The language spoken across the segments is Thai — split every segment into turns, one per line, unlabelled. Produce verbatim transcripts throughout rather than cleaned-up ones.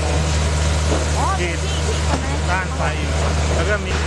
ฉีดต้านไฟอยู่แล้วก็มี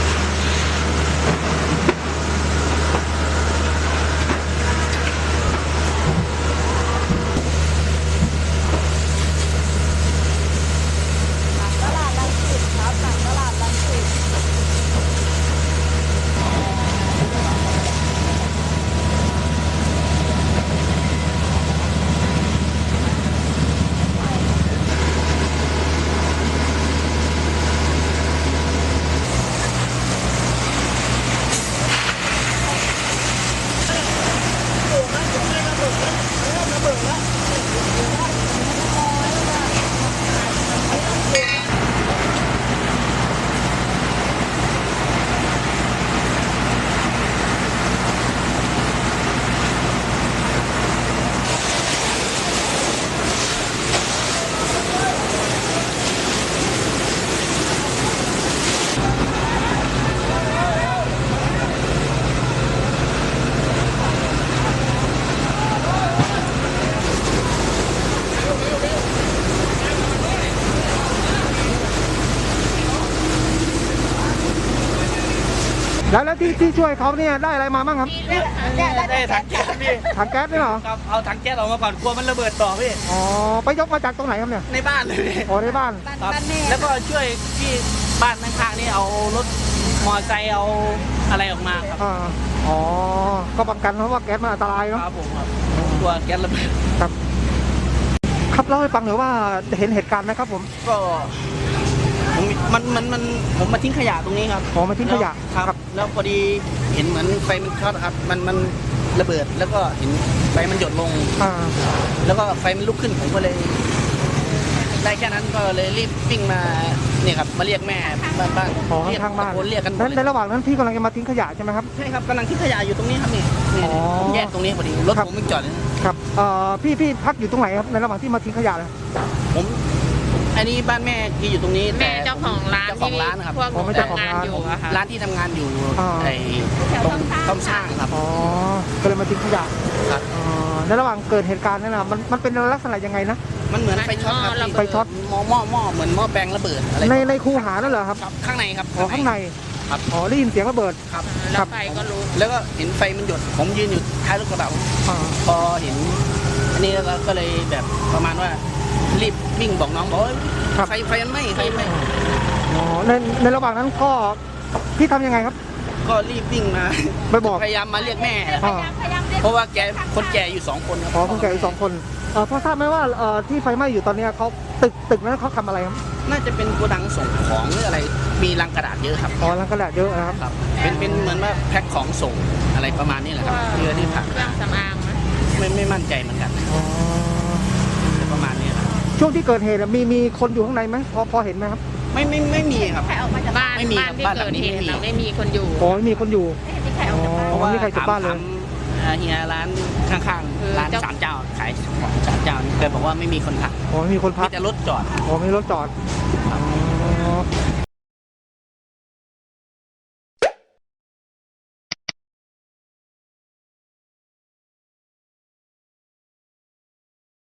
แล้วแล้วที่ที่ช่วยเขาเนี่ยได้อะไรมาบ้างครับ
ได้ถังแก๊สพี่
ถังแก๊สด้วยเหรอ
ครับเอาถังแก๊สออกมาก่อนกลัวมันระเบิดต่อพี่
อ๋อไปยกมาจากตรงไหนครับเนี่ย
ในบ้านเลยพี่
อ๋อในบ้าน
ครับแล้วก็ช่วยที่บ้านข้างๆนี่เอารถมอเตอร์ไซค์เอาอะไรออกมาครับ
อ่าอ๋อก็ป้องกันเพราะว่าแก๊สมันอันตรายเนาะ
ครับผมครับกลัวแก๊สระเบิด
ครับครับเล่าให้ฟังหน่อยว่าเห็นเหตุการณ์ไหมครับผม
ก็ผมมันมันมันผมมาทิ้งขยะตรงนี้ครับ
อ๋อมาทิ้งขยะ
แล้วครับ แล้วพอดีเห็นเหมือนไฟมันช็อตครับมันมันระเบิดแล้วก็เห็นไฟมันหยดลง
อ่า
แล้วก็ไฟมันลุกขึ้นผมก็เลย ได้แค่นั้นก็เลยรีบวิ่งมาเนี่ยครับมาเรียกแม่บ้านบ้าน
อ๋อ
เรียก
ข้างบ้าน
ตะโกนเรียกกันหมด
นั้น
เลย
ในระหว่างนั้นพี่กำลังจะมาทิ้งขยะใช่ไหมครับ
ใช่ครับกำลังทิ้งขยะอยู่ตรงนี้ครับนี่นี่
อ๋อ
ผมแยกตรงนี้พอดีรถ
ครับ
ผมไม่จอดเลยนะครับ
เอ่อพี่พี่พักอยู่ตรงไหนครับในระหว่างที่มาทิ้งขยะเลย
ผมอันนี้บ้านแม่ที่อยู่ตรงนี้
แม่เจ้าของร้าน
เจ้าของร้านครับ
พวกห
อ๋อ
นู
ไม่เจ้าของ
ทำงาน
ร้าน
อยู่อะค่ะ
ร้านที่ทำงานอยู่
อ่า
ไอ้ตรงต้มสร้างครับ
อ๋อก็เลยมาทิ้งขยะ
ครับ
อ๋อในระหว่างเกิดเหตุการณ์นั้นนะมันมันเป็นลักษณะยังไงนะ
มันเหมือนไฟช็อตครับ
ไฟช็อต
หม้อหม้อหม้อเหมือนหม้อแปลงระเบิดอะไร
ในในคูหานั่นเหรอครับ
ครับข้างในครับ
อ๋อข้างใน
ครับ
อ๋อได้ยินเสียงระเบิด
ครับ
แล้
ครั
ว
บ
ไฟก็ลุก
แล้วก็เห็นไฟมันหยดผมยืนอยู่ท้ายรถกระบะ
อ่า
พอเห็นอันนี้แล้วก็เลยแบบประมาณว่ารีบวิ่งบอกน้องบอกว่าไฟไฟมันไหม้ไฟไหม้
อ๋อในในระหว่างนั้นก็พี่ทำยังไงครับ
ก็รีบวิ่งมา
ไปบอก
พยายามมาเรียกแม่
อ่า
เพราะว่าแกคนแก่อยู่สองคนครับ
อ๋อคนแก่อีกสองคนเออพอทราบไหมว่าเอ่อที่ไฟไหม้อยู่ตอนเนี้ยเขาตึกตึกนั้นเขาทำอะไรครับ
น่าจะเป็นโกดังส่งของหรืออะไรมีลังกระดาษเยอะครับ
อ๋อรังกระดาษเยอะนะครับ
ครับเป็นเป็นเหมือนว่าแพ็คของส่งอะไรประมาณนี้แหละครับเพื่อที่ผ่าน
เครื่องสำอางไหม
ไม่ไม่มั่นใจเหมือนกัน
อ๋อ
ประมาณนี้ครับ
ช่วงที่เกิดเหตุอะมีมีคนอยู่ข้างในไหมพอพอเห็นไหมครับ
ไม่ไม่ไม่มีครับ
บ้าน
ไม่มี
บ้านที่
บ้านหลั
เกิ
ง
ด
นี้
เห
ไม่
ตุ
มี
เราไม่มีคนอยู่
อ๋อไม่มีคนอยู่อ๋อ
เพราะว่า
ไม่มีใครกลับบ้านเลย
ถมถามเฮียร้านข้างๆร้านสามเจ้าขายของสามเจ้านี่แกบอกว่าไม่มีคนพัก
อ๋อไม่มีคนพั
มี
ก
แต่รถจอด
อ๋อไม่มีรถจอด